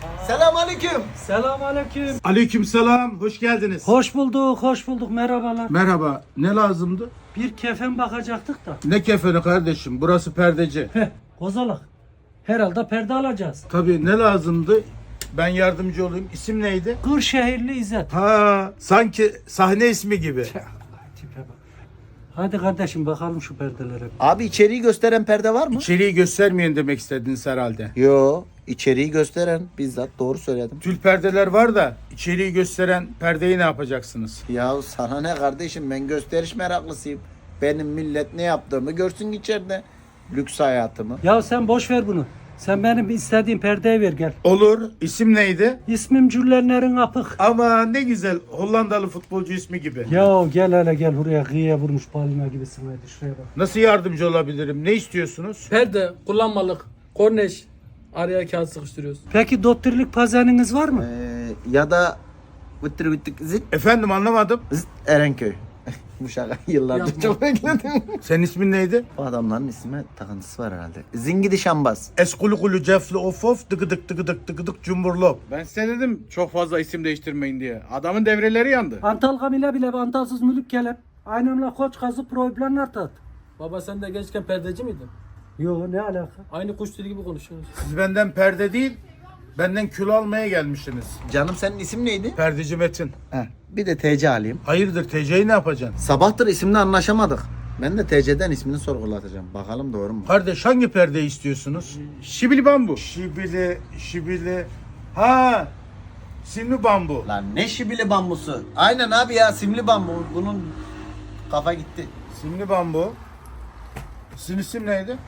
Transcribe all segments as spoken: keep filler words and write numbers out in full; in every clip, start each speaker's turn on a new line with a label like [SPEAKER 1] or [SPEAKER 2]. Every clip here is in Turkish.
[SPEAKER 1] Selamünaleyküm.
[SPEAKER 2] Selamünaleyküm.
[SPEAKER 3] Aleykümselam, hoş geldiniz.
[SPEAKER 2] Hoş bulduk, hoş bulduk. Merhabalar.
[SPEAKER 3] Merhaba, ne lazımdı?
[SPEAKER 2] Bir kefen bakacaktık da.
[SPEAKER 3] Ne kefeni kardeşim, burası perdeci.
[SPEAKER 2] Heh, kozalak. Herhalde perde alacağız.
[SPEAKER 3] Tabii ne lazımdı? Ben yardımcı olayım. İsim neydi?
[SPEAKER 2] Kırşehirli İzzet.
[SPEAKER 3] Ha, sanki sahne ismi gibi.
[SPEAKER 2] Tipe bak. Hadi kardeşim bakalım şu perdelere.
[SPEAKER 1] Abi içeriği gösteren perde var mı?
[SPEAKER 3] İçeriği göstermeyin demek istediniz herhalde.
[SPEAKER 1] Yo, içeriği gösteren bizzat doğru söyledim.
[SPEAKER 3] Tül perdeler var da içeriği gösteren perdeyi ne yapacaksınız?
[SPEAKER 1] Ya sana ne kardeşim, ben gösteriş meraklısıyım. Benim millet ne yaptığımı görsün içeride. Lüks hayatımı.
[SPEAKER 2] Ya sen boş ver bunu. Sen benim istediğim perdeyi ver gel.
[SPEAKER 3] Olur. İsim neydi?
[SPEAKER 2] İsmim Cüllenlerin Apık.
[SPEAKER 3] Ama ne güzel. Hollandalı futbolcu ismi gibi.
[SPEAKER 2] Ya gel hele gel buraya kıyıya vurmuş balina gibisin hadi şuraya bak.
[SPEAKER 3] Nasıl yardımcı olabilirim? Ne istiyorsunuz?
[SPEAKER 4] Perde, kullanmalık, korneş, araya kağıt sıkıştırıyoruz.
[SPEAKER 2] Peki doktorluk pazeniniz var mı?
[SPEAKER 1] Ee, ya da vıttır vıttır zıt
[SPEAKER 3] Efendim anlamadım.
[SPEAKER 1] zıt Erenköy. Bu şaka yıllardır
[SPEAKER 4] Yapma.
[SPEAKER 1] çok bekledim.
[SPEAKER 3] Senin ismin neydi?
[SPEAKER 1] Bu adamların ismi takıntısı var herhalde. Zingidi Şambaz.
[SPEAKER 3] Eskulu kulu cefli of of dıgıdık dıgıdık dıgıdık cumburlop.
[SPEAKER 5] Ben size dedim çok fazla isim değiştirmeyin diye. Adamın devreleri yandı.
[SPEAKER 2] Antal kamile bile antalsız mülük kelep. Aynamla koç kazı problemler tat.
[SPEAKER 4] Baba sen de gençken perdeci miydin?
[SPEAKER 2] Yo ne alaka?
[SPEAKER 4] Aynı kuş dili gibi konuşuyorsunuz.
[SPEAKER 3] Siz benden perde değil, benden kül almaya gelmişsiniz.
[SPEAKER 1] Canım senin isim neydi?
[SPEAKER 3] Perdeci Metin.
[SPEAKER 1] Heh, bir de T C alayım.
[SPEAKER 3] Hayırdır T C'yi ne yapacaksın?
[SPEAKER 1] Sabahtır isimle anlaşamadık. Ben de T C'den ismini sorgulatacağım. Bakalım doğru mu?
[SPEAKER 3] Kardeş hangi perdeyi istiyorsunuz?
[SPEAKER 5] Şibili bambu.
[SPEAKER 3] Şibili, şibili. Ha, simli bambu.
[SPEAKER 1] Lan ne şibili bambusu? Aynen abi ya, simli bambu. Bunun kafa gitti.
[SPEAKER 3] Simli bambu. Sizin isim neydi?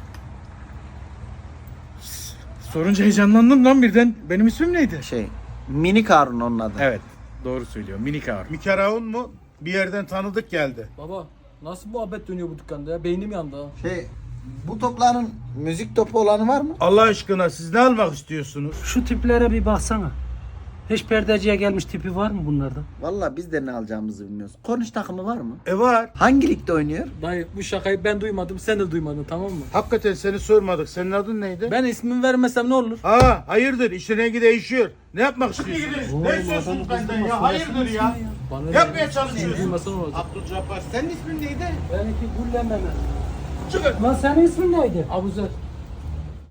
[SPEAKER 5] Sorunca heyecanlandım lan birden. Benim ismim neydi?
[SPEAKER 1] Şey, Mini Karun onun adı.
[SPEAKER 5] Evet. Doğru söylüyor. Minik ağır.
[SPEAKER 3] Mikaraun mu? Bir yerden tanıdık geldi.
[SPEAKER 4] Baba nasıl muhabbet dönüyor bu dükkanda ya? Beynim yandı ha.
[SPEAKER 1] Şey, bu topların müzik topu olanı var mı?
[SPEAKER 3] Allah aşkına siz ne almak istiyorsunuz?
[SPEAKER 2] Şu tiplere bir baksana. Hiç perdeciye gelmiş tipi var mı bunlarda?
[SPEAKER 1] Vallahi biz de ne alacağımızı bilmiyoruz. Korniş takımı var mı?
[SPEAKER 3] E var.
[SPEAKER 1] Hangi ligde oynuyor?
[SPEAKER 4] Dayı bu şakayı ben duymadım, sen de duymadın, tamam mı?
[SPEAKER 3] Hakikaten seni sormadık. Senin adın neydi?
[SPEAKER 4] Ben ismimi vermesem ne olur?
[SPEAKER 3] Ha, hayırdır işin rengi değişiyor. Ne yapmak istiyorsunuz? Ne istiyorsunuz benden ya? Hayırdır ya?
[SPEAKER 4] Bana
[SPEAKER 3] Ne
[SPEAKER 4] ne?
[SPEAKER 3] yapmaya
[SPEAKER 4] Sen
[SPEAKER 3] çalışıyorsun?
[SPEAKER 4] duymasan olacak.
[SPEAKER 3] Abdülcabbar senin ismin neydi?
[SPEAKER 2] Benimki Güllen Mehmet.
[SPEAKER 3] Çıkın.
[SPEAKER 2] Lan senin ismin neydi?
[SPEAKER 4] Abuzer.